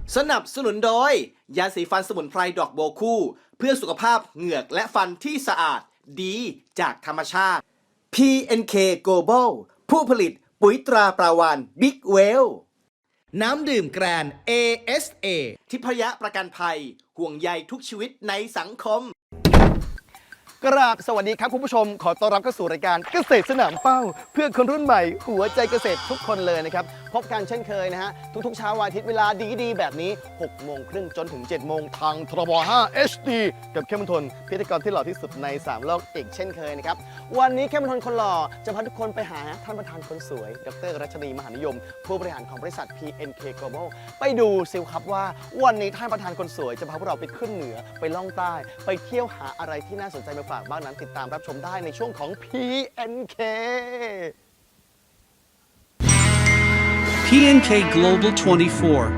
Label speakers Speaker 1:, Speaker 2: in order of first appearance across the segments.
Speaker 1: สนับสนุนโดยยาสีฟันสมุนไพรดอกโบวคู่เพื่อสุขภาพเหงือกและฟันที่สะอาดดีจากธรรมชาติ PNK Global ผู้ผลิตปุ๋ยตราปลาวาฬบิ๊กเวลน้ำดื่มแกรน ASA ทิพยประกันภัยห่วงใยทุกชีวิตในสังคมกราบสวัสดีครับคุณผู้ชมขอต้อนรับเข้าสู่รายการเกษตรสนามเป้าเพื่อคนรุ่นใหม่หัวใจเกษตรทุกคนเลยนะครับพบกันเช่นเคยนะฮะทุกๆเช้าวันอาทิตย์เวลาดีๆแบบนี้6 โมงครึ่งจนถึง7 โมงทางทรบ5 HD กับเข้มมนทนพิธีกรที่หล่อที่สุดใน3โลกอีกเช่นเคยนะครับวันนี้เข้มมนทนคนหล่อจะพาทุกคนไปหาท่านประธานคนสวยดร.รัชนีมหานิยมผู้บริหารของบริษัท PNK Global ไปดูซิลครับว่าวันนี้ท่านประธานคนสวยจะพาพวกเราไปขึ้นเหนือไปล่องใต้ไปเที่ยวหาอะไรที่น่าสนใจมาฝากบ้างนั้นติดตามรับชมได้ในช่วงของ PNK
Speaker 2: PNK Global 24.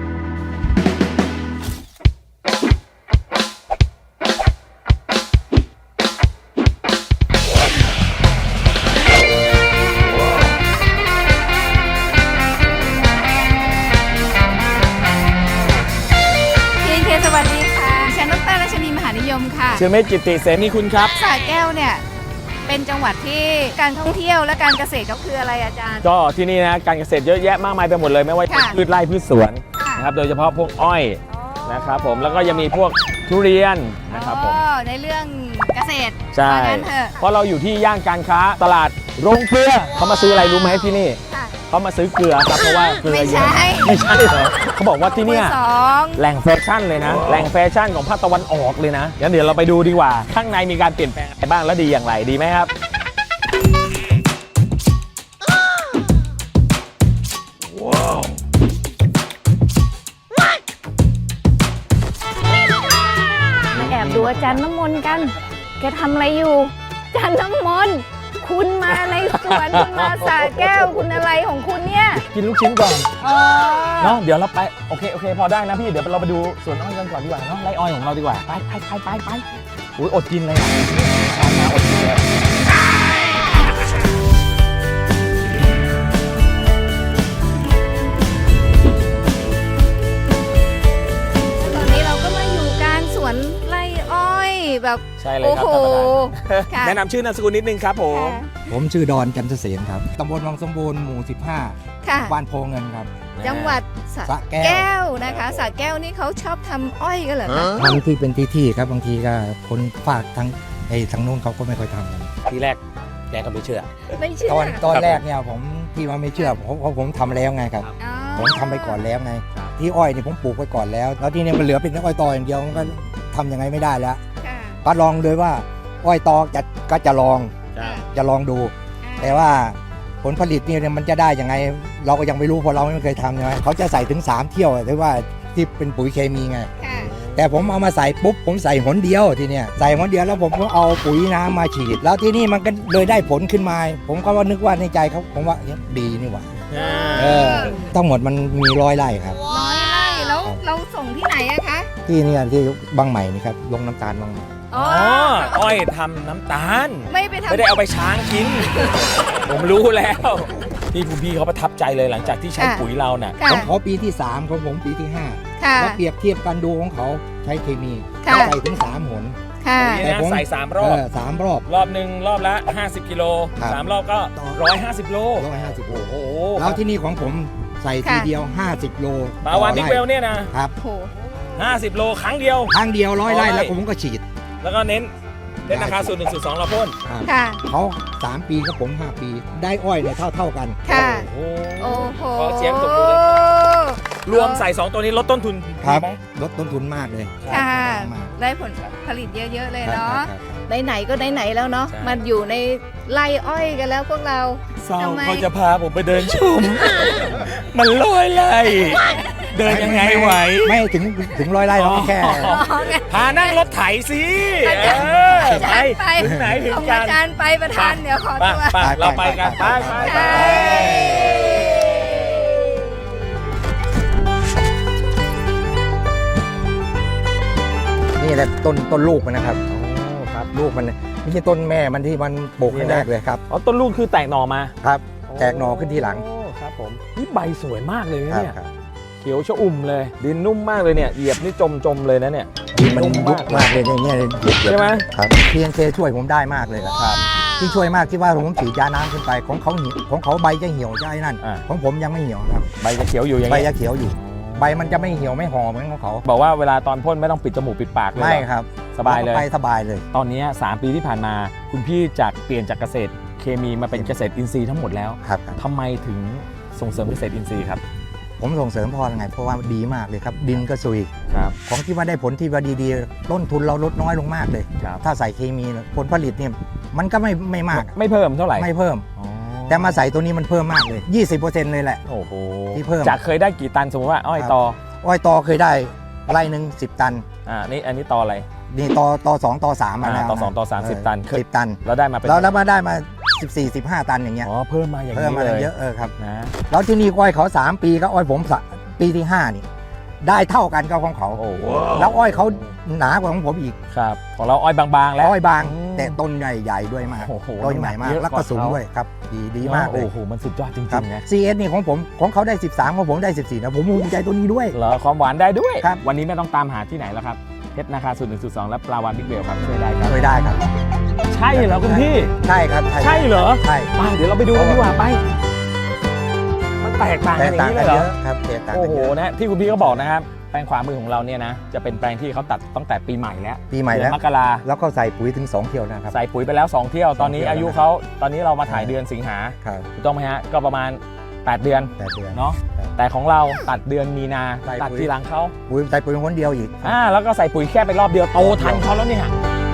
Speaker 3: PNK สวัสดีค่ะฉันดร.รัชนีมหานิยมค่ะ
Speaker 4: ชื่อเมธจิตติเสนีคุณครับ
Speaker 3: สระแก้วเนี่ยเป็นจังหวัดที่การท่องเที่ยวและการเกษตรก็คืออะไรอาจารย์
Speaker 4: ก็ที่นี่นะการเกษตรเยอะแยะมากมายไปหมดเลยไม่ว่า
Speaker 3: ค่ะ
Speaker 4: พืชไร่พืชสวน
Speaker 3: ค่ะ
Speaker 4: นะครับโดยเฉพาะพวกอ้อยนะครับผมแล้วก็ยังมีพวกทุเรียนนะครับผม
Speaker 3: อ๋อในเรื่องเกษตร
Speaker 4: ใช่
Speaker 3: ว่างั้นเถอะ
Speaker 4: เพราะเราอยู่ที่ย่านการค้าตลาดโรงเกลือเขามาซื้ออะไรรู้ไหมที่นี่
Speaker 3: ค่ะ
Speaker 4: เขามาซื้อเกลือครับเพราะว่าเกลือ
Speaker 3: ไม่
Speaker 4: เย
Speaker 3: ใช่
Speaker 4: อะไม่ใช่เหรอเขาบอกว่าที่เนี่ย
Speaker 3: สอง
Speaker 4: แหล่งแฟชั่นเลยนะแหล่งแฟชั่นของภาคตะวันออกเลยนะงั้นเดี๋ยวเราไปดูดีกว่าข้างในมีการเปลี่ยนแปลงอะไรบ้างและดีอย่างไรดีไหมครับ
Speaker 3: แอบดูอาจารย์น้ำมนต์กันแกทำอะไรอยู่อาจารย์น้ำมนต์คุณมาในสวนคุณมาสระแก้วคุณอะไรของคุณเนี่ย
Speaker 4: กินลูกชิ้นก่อน
Speaker 3: อ๋อ
Speaker 4: เนาะเดี๋ยวเราไปโอเคพอได้นะพี่เดี๋ยวเราไปดูสวนอ้อยกันก่อนดีกว่าเนาะไร่อ้อยของเราดีกว่าไปอุ้ยอดกินเลยตามมาอดกินเลย
Speaker 3: ตอนนี้เราก็มาอยู่กลางสวนไร่อ้อยแบบ
Speaker 4: ใช่เลย
Speaker 3: โอ้
Speaker 4: ครับ
Speaker 3: โห
Speaker 4: ท่านประธาน
Speaker 3: ค่ะ
Speaker 4: แนะนำชื่อนามสกุลนิดนึงครับผม
Speaker 5: ผมชื่อดอนจันทเสนครับ ตำบลวังสมบูรณ์หมู่
Speaker 3: ค่ะ
Speaker 5: 15 บ้านโพเงินครับ
Speaker 3: จังหวัดส
Speaker 5: ส
Speaker 3: ระ
Speaker 5: ระแก้ว
Speaker 3: แก้วนะคะสระแก้วนี่เขาชอบทำอ้อยกันเหรอคะ
Speaker 5: ทำที่เป็นที่ครับ บางทีก็คนฝากทางโน้นเขาก็ไม่ค่อยทำกัน
Speaker 4: ทีแรกแกก็ไม่เชื่อ
Speaker 3: ไม่เชื่อ
Speaker 5: ตอนแรกเนี่ยผมที่ว่าไม่เชื่อเพราะผมทำแล้วไงครับ
Speaker 3: อ๋อ
Speaker 5: ผมทำไปก่อนแล้วไง ที่อ้อยเนี่ยผมปลูกไปก่อนแล้ว แล้วที่เนี่ยมันเหลือเป็นอ้อยตออย่างเดียวมันก็ทำยังไงไม่ได้แล้ว
Speaker 3: ค่ะ
Speaker 5: ก็ลองเลยว่าอ้อยตอก็จะลอง
Speaker 3: ค่ะ
Speaker 5: จะลองดู แต่ว่าผลผลิตเนี่ยมันจะได้ยังไง เราก็ยังไม่รู้เพราะเราไม่เคยทำใช่ไหมเขาจะใส่ถึง3เที่ยวหรือว่าที่เป็นปุ๋ยเคมีไง
Speaker 3: ค่ะ
Speaker 5: แต่ผมเอามาใส่ปุ๊บผมใส่หนเดียวทีเนี้ยใส่หนเดียวแล้วผมก็เอาปุ๋ยน้ำมาฉีด แล้วที่นี่มันก็เลยได้ผลขึ้นมา ผมก็ว่านึกว่าในใจเขาผมว่าดีนี่หว่าทั้งหมดมันมี100 ไร่ครับ
Speaker 3: ร้อยไร่แล้วเราส่งที่ไหนอะคะ
Speaker 5: ที่เนี่ยที่บางใหม่นี่ครับลงน้ำตาลบางใหม่
Speaker 3: อ๋อ
Speaker 4: อ๋ออ้อยทำน้ำตาล
Speaker 3: ไม่ไปทำ
Speaker 4: ไม่ได้เอาไปช้างกิน ผมรู้แล้วนี่คุณพี่เขาประทับใจเลยหลังจากที่ใช้ปุ๋ยเราน่ะ
Speaker 3: ค่ะ
Speaker 5: ของเขาปีที่ 3ของผมปีที่
Speaker 3: ค่ะ
Speaker 5: 5แล้วเปรียบเทียบกันดูของเขาใช้เคมี
Speaker 3: ค่ะ
Speaker 5: ใส่ถึง3 หน
Speaker 3: ค่ะ
Speaker 4: ปุ๋ยนะใส่3 รอบ
Speaker 5: 3 รอบ
Speaker 4: รอบหนึ่งรอบละ 50 กิโล
Speaker 5: ครับ
Speaker 4: 3 รอบก็ 150 โล
Speaker 5: 150 โล
Speaker 4: โอ้โห
Speaker 5: แล้วที่นี่ของผมใส่ทีเดียว 50 โล
Speaker 4: ปาวานนิกเวลเนี่ยนะ
Speaker 5: ครับ
Speaker 3: โห
Speaker 4: 50 โลครั้งเดียว
Speaker 5: ครั้งเดียว100 ไร่
Speaker 4: 100
Speaker 5: แล้วผมก็ฉีด
Speaker 4: แล้วก็เน้นราคาสูตร1สูตร2เราพ่น
Speaker 5: ครับ
Speaker 3: ค่ะ
Speaker 5: เขา3 ปีกับผม 5 ปี ได้อ้อยเนี่ยเท่ากัน
Speaker 3: ค่ะ
Speaker 4: โอ้
Speaker 3: โอ้โห
Speaker 4: ขอเสียงตบมือเลยรวมใส่ 2 ตัวนี้ลดต้นทุน
Speaker 5: ครับ
Speaker 4: ดีไหม
Speaker 5: ลดต้นทุนมากเลย
Speaker 3: ค่ะ
Speaker 5: มาก
Speaker 3: ได้ผลผลิตเยอะ ๆ เลย
Speaker 5: ครับ
Speaker 3: เนาะ
Speaker 5: ครับ
Speaker 3: ไหนๆก็ไหนๆแล้วเนาะ
Speaker 4: ใช่
Speaker 3: มันอยู่ในไร่อ้อยกันแล้วพวกเรา
Speaker 4: เศร้า
Speaker 3: ทำไม
Speaker 4: เขาจะพาผมไปเดินชม มันลอยไล่เดินยังไงไหว
Speaker 5: ไม่ถึง100 ไร่เราแค่
Speaker 4: พานั่งรถไถสิ
Speaker 3: อาจารย์
Speaker 4: ไป
Speaker 3: ไป
Speaker 4: ถึงไหนถึง
Speaker 3: ส่ง
Speaker 4: กั
Speaker 3: อาน จารย์ไปประธานเดี๋ยวขอ
Speaker 4: ไป
Speaker 3: ตัว
Speaker 4: ไปเราไปกันไปไป
Speaker 3: ใช่
Speaker 5: นี่แหละต้นลูกมันนะครับ
Speaker 4: ครับ
Speaker 5: ลูกมันไม่ใช่ต้นแม่มันที่มันปลูก
Speaker 4: นี่
Speaker 5: ครั้ง
Speaker 4: นะ
Speaker 5: แรกเลยครับ
Speaker 4: อ๋อต้นลูกคือแตกหน่อมา
Speaker 5: ครับ แตกหน่อขึ้นทีหลัง
Speaker 4: โอ้ครับผมนี่ใบสวยมากเลยนะครับ เนี่ย
Speaker 5: ครับ
Speaker 4: เขียวชอุ่มเลยดินนุ่มมากเลยเนี่ยเหยียบนี่จมเลยนะเนี่ย
Speaker 5: มัน
Speaker 4: นุ่ม
Speaker 5: ยุ
Speaker 4: มา
Speaker 5: บ
Speaker 4: ก
Speaker 5: มากเลยเนี่ย
Speaker 4: ใช่ไหม
Speaker 5: ครับ PNK ช่วยผมได้มากเลยครับที่ช่วยมากที่ว่าผมฉีดยาน้ำขึ้นไปของเขาเหี่ยวของเขาใบจะเหี่ยวจะไอ้นั่น
Speaker 4: อ่า
Speaker 5: ของผมยังไม่เหี่ยวครับ
Speaker 4: ใบจะเขียวอยู่อย่าง
Speaker 5: ใบ
Speaker 4: นี้
Speaker 5: จะเขียวอยู่ ใบมันจะไม่เหี่ยวไม่ห่อเหมือนของเขา
Speaker 4: บอกว่าเวลาตอนพ่นไม่ต้องปิดจมูกปิดปากเลย
Speaker 5: ไม่
Speaker 4: เหรอ
Speaker 5: ครับ
Speaker 4: สบายเลย
Speaker 5: ไปสบายเลย
Speaker 4: ตอนนี้ 3 ปีที่ผ่านมาคุณพี่จากเปลี่ยนจากเกษตรเคมีมาเป็นเกษตรอินทรีย์ทั้งหมดแล้ว
Speaker 5: ครับ
Speaker 4: ทำไมถึงส่งเสริมเกษตรอินทรีย์ครับ
Speaker 5: ผมส่งเสริมเพราะอะไรเพราะว่าดีมากเลยครับ ดินก็ซุย
Speaker 4: ครับ
Speaker 5: ของที่ว่าได้ผลที่ว่าดีๆ ต้นทุนเราลดน้อยลงมากเลย
Speaker 4: ครับ
Speaker 5: ถ้าใส่เคมีเนี่ยผลผลิตเนี่ยมันก็ไม่มาก
Speaker 4: ไม่เพิ่มเท่าไหร่
Speaker 5: ไม่เพิ่ม
Speaker 4: อ๋อ
Speaker 5: แต่มาใส่ตัวนี้มันเพิ่มมากเลย 20%เลยแหละ
Speaker 4: โอ้โห
Speaker 5: ที่เพิ่ม
Speaker 4: จากเคยได้กี่ตันสมมติว่าอ้อย
Speaker 5: ครับ
Speaker 4: ตอ
Speaker 5: อ้อยตอเคยได้ไร่หนึ่ง10 ตัน
Speaker 4: นี่อันนี้ตออะไร
Speaker 5: นี่ตอ2ตอ3มาแล้ว
Speaker 4: ตอ2ตอ3 10 ตัน
Speaker 5: 10 ตัน
Speaker 4: แล้วได้มาเป็น
Speaker 5: แล้วมาได้มา14-15 ตันอย่างเงี้ย
Speaker 4: อ๋อเพิ่มมาอย่าง
Speaker 5: เพิ่ม
Speaker 4: นี้
Speaker 5: มา
Speaker 4: เลย
Speaker 5: เยอะครับ
Speaker 4: นะ
Speaker 5: แล้วที่นี่อ้อยเขา3 ปีก็อ้อยผมปีที่5นี่ได้เท่ากันกับของเขา
Speaker 4: โอ้โห
Speaker 5: แล้วอ้อยเขาหนากว่าของผมอีก
Speaker 4: ครับของเราอ้อยบางๆแล้ว
Speaker 5: อ้อยบาง
Speaker 4: อืม
Speaker 5: แต่ต้นใหญ่ๆด้วยมาก
Speaker 4: โอ้โห
Speaker 5: ต้นใหญ่มาก
Speaker 4: เยอะ
Speaker 5: แล้ว
Speaker 4: ก
Speaker 5: ก็
Speaker 4: ว่า
Speaker 5: สูง
Speaker 4: เขา
Speaker 5: ด้วยครับดีมากเลย
Speaker 4: โอ้โหมันสุดยอดจริ
Speaker 5: ครับ
Speaker 4: งๆนะ
Speaker 5: CS นี่ของผมของเขาได้ 13ของผมได้ 14นะผมภูมิใจตัวนี้ด้วย
Speaker 4: เหรอความหวานได้ด้วย
Speaker 5: ครับ
Speaker 4: วันนี้ไม่ต้องตามหาที่ไหนแล้วครับเพชรนาคาสูตร1 2และปลาวานบิ๊กเวลครับช่วยได้ครับ
Speaker 5: ช่วยได้ครับ
Speaker 4: ใช่เหรอคุณพี่
Speaker 5: ใช่ครับ
Speaker 4: ใช่เหรอ
Speaker 5: ใช่
Speaker 4: ไปเดี๋ยวเราไปดูกันดีกว่าไป มันแตกต่าง
Speaker 5: แต
Speaker 4: กัน
Speaker 5: ก
Speaker 4: อย่า
Speaker 5: ต่าง
Speaker 4: งนี้
Speaker 5: กั
Speaker 4: เล
Speaker 5: น
Speaker 4: ยเหร
Speaker 5: เย
Speaker 4: อ
Speaker 5: อะครับแตกต่าง
Speaker 4: โอ้
Speaker 5: กัน
Speaker 4: โห
Speaker 5: เยอะ
Speaker 4: นะที่คุณพี่ก็บอกนะครับแปลงขวามือของเราเนี่ยนะจะเป็นแปลงที่เขาตัดตั้งแต่ปีใหม่แล้ว
Speaker 5: ปีใหม่
Speaker 4: เดื
Speaker 5: แล้
Speaker 4: อ
Speaker 5: วน
Speaker 4: มกรา
Speaker 5: แล้วก็ใส่ปุ๋ยถึง2 เที่ยวนะครับ
Speaker 4: ใส่ปุ๋ยไปแล้ว 2 เที่ยวตอนนี้
Speaker 5: 2 เที่ยว
Speaker 4: อายุเขาตอนนี้เรามาถ่ายเดือนสิงหา
Speaker 5: ครับ
Speaker 4: ถูกต้องไหมฮะก็ประมาณ 8 เดือน
Speaker 5: 8 เดือน
Speaker 4: เนาะ
Speaker 5: ครับ
Speaker 4: แต่ของเราตัดเดือนมีนา
Speaker 5: ใส่
Speaker 4: ตัด
Speaker 5: ปุ๋ย
Speaker 4: ทีหลังเขา
Speaker 5: ปุ๋ยใส่ปุ๋ยคนเดียวอีก
Speaker 4: แล้วก็ใส่ปุ๋ยแค่ไปรอบเดียวโตทันเขาแล้วเนี่ย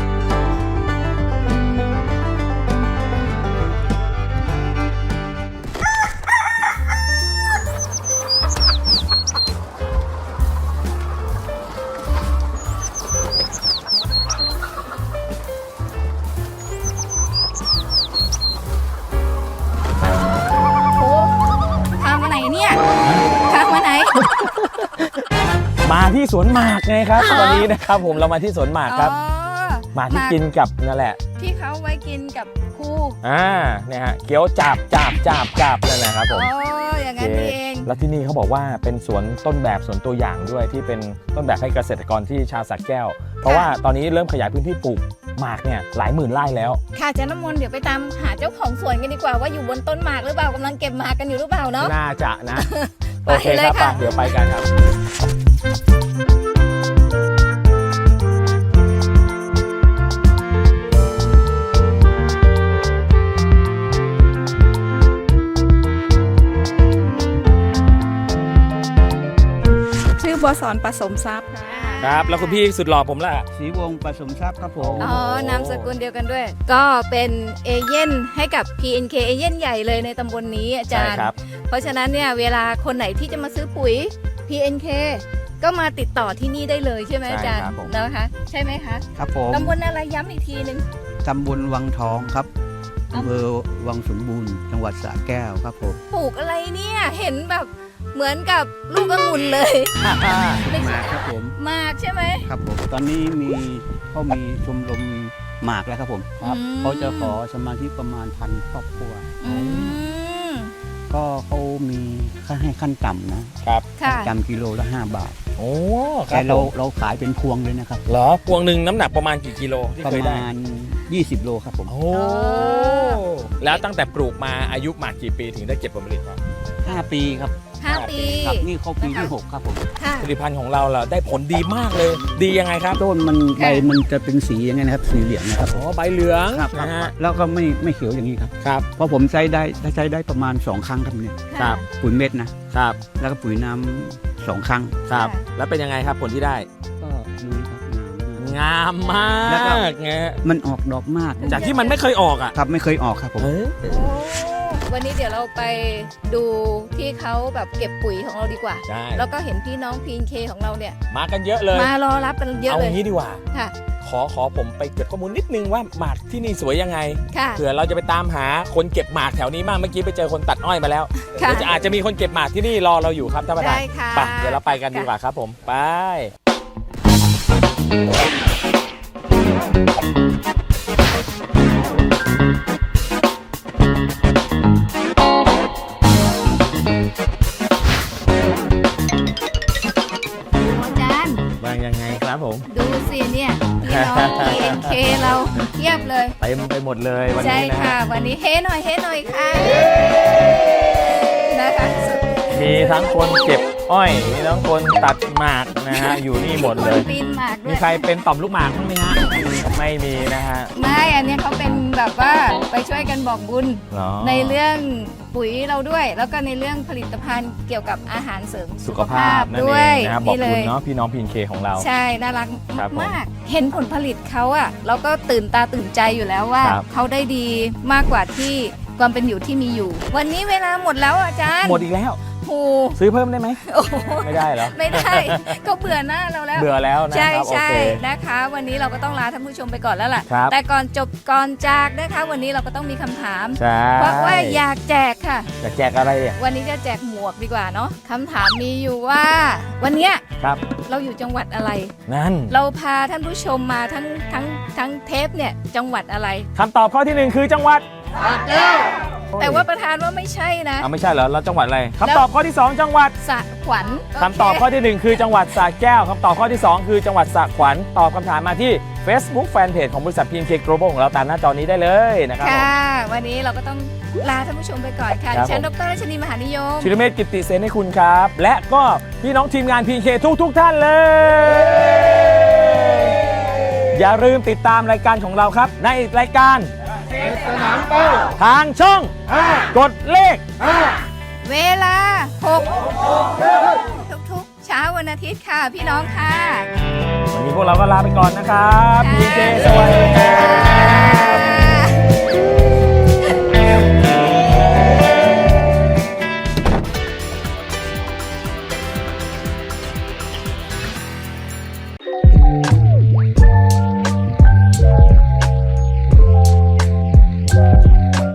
Speaker 3: โอ้พามาไหนเนี่ยพามาไหน
Speaker 4: มาที่สวนหมากไงครับ
Speaker 3: อ๋อ
Speaker 4: วันนี้นะครับผมเรามาที่สวนหมากครับ
Speaker 3: อ๋อ
Speaker 4: หมากที่กินกับนั่นแหละ
Speaker 3: ที่เขาไว้กินกับครู
Speaker 4: เนี่ยฮะเคี้ยวจับนั่นแหละครับผ
Speaker 3: อ๋อ
Speaker 4: ม
Speaker 3: อย่างนั้นนี่เอง
Speaker 4: แล้วที่นี่เขาบอกว่าเป็นสวนต้นแบบสวนตัวอย่างด้วยที่เป็นต้นแบบให้เกษตรกรที่ชาวสระแก้ว เพราะว่าตอนนี้เริ่มขยายพื้นที่ปลูกหมากเนี่ยหลายหมื่นไร่แล้ว
Speaker 3: ค่ะอาจารย์น้ำมนต์เดี๋ยวไปตามหาเจ้าของสวนกันดีกว่าว่าอยู่บนต้นหมากหรือเปล่ากำลังเก็บหมากกันอยู่หรือเปล่าเนาะ
Speaker 4: น่าจะนะ
Speaker 3: ไป
Speaker 4: โอเค
Speaker 3: เล
Speaker 4: ค
Speaker 3: ย
Speaker 4: รับ
Speaker 3: ค่ะ
Speaker 4: ไปเดี๋ยวไปกันครับ
Speaker 6: ชื่อบัวสอนผสมทรัพย์
Speaker 4: ครับ แล้วคุณพี่สุดหล่อผมล่ะ
Speaker 7: ศรีวงศ์ผสมทรัพย์ครับผม
Speaker 3: อ๋อนามสกุลเดียวกันด้วย ก็เป็นเอเย่นให้กับ PNK เอเย่นใหญ่เลยในตำบลนี้อาจารย์
Speaker 4: ใช่ครับ
Speaker 3: เพราะฉะนั้นเนี่ยเวลาคนไหนที่จะมาซื้อปุ๋ย PNK ก็มาติดต่อที่นี่ได้เลยใช่ไหมอาจารย์
Speaker 4: ใช่ครับผม
Speaker 3: นะคะ ใช่ไหมคะ
Speaker 7: ครับผม
Speaker 3: ตำบลอะไรย้ำอีกทีหนึ่ง
Speaker 7: ตำบลวังทองครับอำเภอวังสมบูรณ์จังหวัดสระแก้วครับผม
Speaker 3: ปลูกอะไรเนี่ยเห็นแบบเหมือนกับลูกองุ่นเลยไม่
Speaker 7: ห
Speaker 3: ใช่
Speaker 7: มากครับผม
Speaker 3: หมากใช่ไหม
Speaker 7: ครับผม ตอนนี้เขามีชมรมหมากแล้วครับผม
Speaker 3: ครับ
Speaker 7: เขาจะขอสมาชิกประมาณ1,000 ครอบครัว
Speaker 3: อืม
Speaker 7: ก็เขามีค่าให้ขั้นต่ำนะครับ
Speaker 3: ค่ะ
Speaker 7: จำกิโลละ5 บาท
Speaker 4: โอ้ค
Speaker 7: แต่
Speaker 4: รับ
Speaker 7: เรา
Speaker 4: ผม
Speaker 7: เราขายเป็นพวงเลยนะครับ
Speaker 4: เหรอพวงหนึ่งน้ำหนักประมาณกี่กิโลที่
Speaker 7: ประ
Speaker 4: เคยได้
Speaker 7: มาณ20 โลครับผม
Speaker 4: โอ้แล้วตั้งแต่ปลูกมาอายุหมากกี่ปีถึงได้เก็บผลผลิตครับ
Speaker 7: 5 ปีครับ
Speaker 3: 5 ปี
Speaker 7: ครับนี่เขาปีที่ 6 ครับผม
Speaker 3: ค่ะ
Speaker 4: ผลิตภัณฑ์ของเราได้ผลดีมากเลย ดียังไงครับ
Speaker 7: ต้นมันใบมันจะเป็นสีอย่างไงนะครับ สีเหลืองนะครับ
Speaker 4: อ๋อใบเหลือง
Speaker 7: ครับ
Speaker 4: นะฮะ
Speaker 7: แล้วก็ไม่เขียวอย่างนี้ครับ
Speaker 4: ครับ
Speaker 7: เพราะผมใช้ได้ประมาณ 2 ครั้งครับเนี่ย
Speaker 4: ครับ
Speaker 7: ปุ๋ยเม็ดนะครับ แล้วก็ปุ๋ยน้ำ2 ครั้ง
Speaker 4: ครับ แล้วเป็นยังไงครับผลที่ได้
Speaker 7: ก็นี่ครับน้ำ
Speaker 4: งามมา
Speaker 7: แล้วก็
Speaker 4: กไง
Speaker 7: มันออกดอกมาก
Speaker 4: จากที่มันไม่เคยออกอ่ะ
Speaker 7: ครับไม่เคยออกครับผม
Speaker 4: เออ
Speaker 3: โอ้วันนี้เดี๋ยวเราไปดูที่เขาแบบเก็บปุ๋ยของเราดีกว่า
Speaker 4: ใช่
Speaker 3: แล้วก็เห็นพี่น้อง PNK ของเราเนี่ย
Speaker 4: มากันเยอะเลย
Speaker 3: มารอรับกันเยอะ
Speaker 4: เอา
Speaker 3: เลย
Speaker 4: งี้ดีกว่า
Speaker 3: ค่ะ
Speaker 4: ขอผมไปเก็บข้อมูลนิดนึงว่าหมากที่นี่สวยยังไง
Speaker 3: ค่ะ
Speaker 4: เผื่อเราจะไปตามหาคนเก็บหมากแถวนี้บ้างเมื่อกี้ไปเจอคนตัดอ้อยมาแล้ว
Speaker 3: ค่ะ
Speaker 4: เดี๋ยวอาจจะมีคนเก็บหมากที่นี่รอเราอยู่ครับท่านประธาน
Speaker 3: ได้ค่ะ
Speaker 4: ไปเดี๋ยวเราไปกันดีกว่าครับผมไปครับผม
Speaker 3: ดูสิเนี่ยพี่น้อง PNK เราเทียบเลย
Speaker 4: เต็มไปหมดเลยวัน
Speaker 3: ใช่
Speaker 4: นี้นะ
Speaker 3: ค่ะ วันนี้เฮ้หน่อยค่ะนะคะสุด
Speaker 4: มีทั้งคนเก็บอ้อยมีทั้งคนตัดหมากนะฮะอยู่นี่หมดเลย
Speaker 3: คนปีนหมากด้
Speaker 4: มี
Speaker 3: วย
Speaker 4: ใครเป็นต่อมลูกหมากบ้างไหมฮะไม่มีนะฮะ
Speaker 3: ไม่อันเนี้ยเขาเป็นแบบว่าไปช่วยกันบอกบุญ
Speaker 4: เหรอ
Speaker 3: ในเรื่องปุ๋ยเราด้วย แล้วก็ในเรื่องผลิตภัณฑ์เกี่ยวกับอาหารเสริม
Speaker 4: สุขภาพนั่น
Speaker 3: ด้
Speaker 4: เอ
Speaker 3: วย
Speaker 4: งนะครับบอก
Speaker 3: เล
Speaker 4: คุณ
Speaker 3: ย
Speaker 4: เนาะพี่น้องพีนเคของเรา
Speaker 3: ใช่น่ารัก
Speaker 4: ครับผม
Speaker 3: มากๆเห็นผลผลิตเขาอะเราก็ตื่นตาตื่นใจอยู่แล้วว่า
Speaker 4: ครับ
Speaker 3: เขาได้ดีมากกว่าที่ความเป็นอยู่ที่มีอยู่ วันนี้เวลาหมดแล้วอาจารย์
Speaker 4: หมดอีกแล้ว
Speaker 3: โอ้
Speaker 4: ซื้อเพิ่มได้ไหม
Speaker 3: โอ้โห
Speaker 4: ไม่ได้เหรอ
Speaker 3: ไม่ได้ ก็เบื่อหน้าเราแล้ว
Speaker 4: เบื่อแล้วนะ
Speaker 3: ใช่
Speaker 4: ครับโอ
Speaker 3: ใช่
Speaker 4: เค
Speaker 3: นะคะ วันนี้เราก็ต้องลาท่านผู้ชมไปก่อนแล้วล่ะ
Speaker 4: ครับ
Speaker 3: แต่ก่อนจบก่อนจากนะคะ วันนี้เราก็ต้องมีคำถาม
Speaker 4: ใช่
Speaker 3: เพราะว่าอยากแจกค่ะ
Speaker 4: จะแจกอะไรเนี่ย
Speaker 3: วันนี้จะแจกหมวกดีกว่าเนาะคำถามมีอยู่ว่า วันเนี้ย
Speaker 4: ครับ
Speaker 3: เราอยู่จังหวัดอะไร
Speaker 4: นั่น
Speaker 3: เราพาท่านผู้ชมมาทั้งเทปเนี่ยจังหวัดอะไร
Speaker 4: คำตอบข้อที่หนึ่งคือจังหวัด
Speaker 3: แต่ว่าประธานว่าไม่ใช่นะ
Speaker 4: เอาไม่ใช่เหรอเราจังหวัดอะไรคำตอบข้อที่สองจังหวัด
Speaker 3: สระขวัญ
Speaker 4: คำตอบข้อที่หนึ่งคือจังหวัดสระแก้วคำตอบข้อที่สองคือจังหวัดสระขวัญตอบคำถามมาที่ Facebook Fanpage ของบริษัท PNK Global ของเราตามหน้าจอนี้ได้เลยนะครับผม
Speaker 3: ค่ะ วันนี้เราก็ต้องลาท่านผู้ชมไปก่อนค่ะ
Speaker 4: ครับ
Speaker 3: ดิฉัน
Speaker 4: ผม
Speaker 3: ดรรัชนีมหานิยม
Speaker 4: ชิรเมธกิตติเสนให้คุณครับ และก็พี่น้องทีมงาน PNK ทุกท่านเลย อย่าลืมติดตามรายการของเราครับ ในรายการทางช่อง กดเลข
Speaker 3: เวลาทุกเช้าวันอาทิตย์ค่ะ พี่น้องค่ะ
Speaker 4: วันนี้พวกเราก็ลาไปก่อนนะครับ
Speaker 3: ค่ะ
Speaker 4: PNK สวัสดีครับ